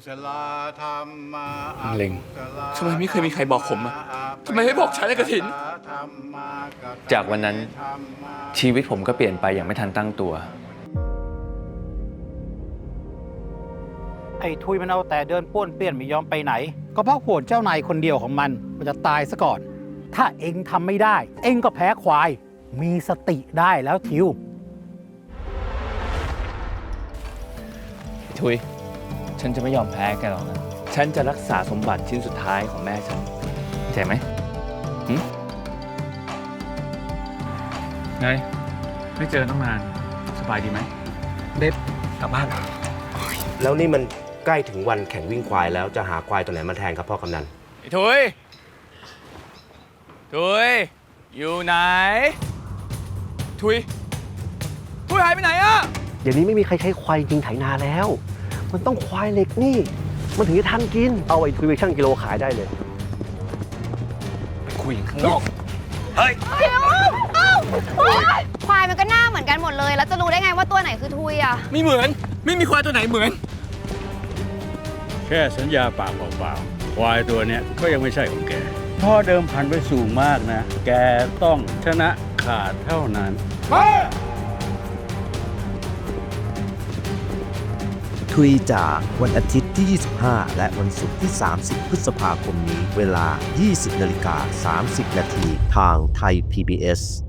เล็งทำไมไม่เคยมีใครบอกผมอะทำไมไม่บอกฉันเลยกระถินจากวันนั้นชีวิตผมก็เปลี่ยนไปอย่างไม่ทันตั้งตัวไอ้ทุยมันเอาแต่เดินป้วนเปี้ยนไม่ยอมไปไหนก็เพราะโหดเจ้านายคนเดียวของมันจะตายซะก่อน ถ้าเองทำไม่ได้ เองก็แพ้ควายมีสติได้แล้วทิวทุยฉันจะไม่ยอมแพ้แกหรอกนะฉันจะรักษาสมบัติชิ้นสุดท้ายของแม่ฉันเข้าใจไหมไงไม่เจอตั้งนานสบายดีไหมเด็ดกลับบ้านแล้วนี่มันใกล้ถึงวันแข่งวิ่งควายแล้วจะหาควายตัวไหนมาแทนครับพ่อกำนันไอ้ทุยอยู่ไหนทุยหายไปไหนอะเดี๋ยวนี้ไม่มีใครใช้ควายจริงไถนาแล้ว มันต้องควายเหล็กนี่ มันถึงจะทันกิน เอาไอ้ทุยไปชั่งกิโลขายได้เลยไปคุยข้างนอกเฮ้ยควายมันก็หน้าเหมือนกันหมดเลยแล้วจะรู้ได้ไงว่าตัวไหนคือทุยอ่ะไม่เหมือนไม่มีควายตัวไหนเหมือนแค่สัญญาปากเปล่าๆควายตัวเนี้ยก็ยังไม่ใช่ของแกพ่อเดิมพันไปสูงมากนะแกต้องชนะขาดเท่านั้นคุยจากวันอาทิตย์ที่ 25 และวันศุกร์ที่ 30 พฤษภาคมนี้เวลา 20:30 นาทีทางไทย PBS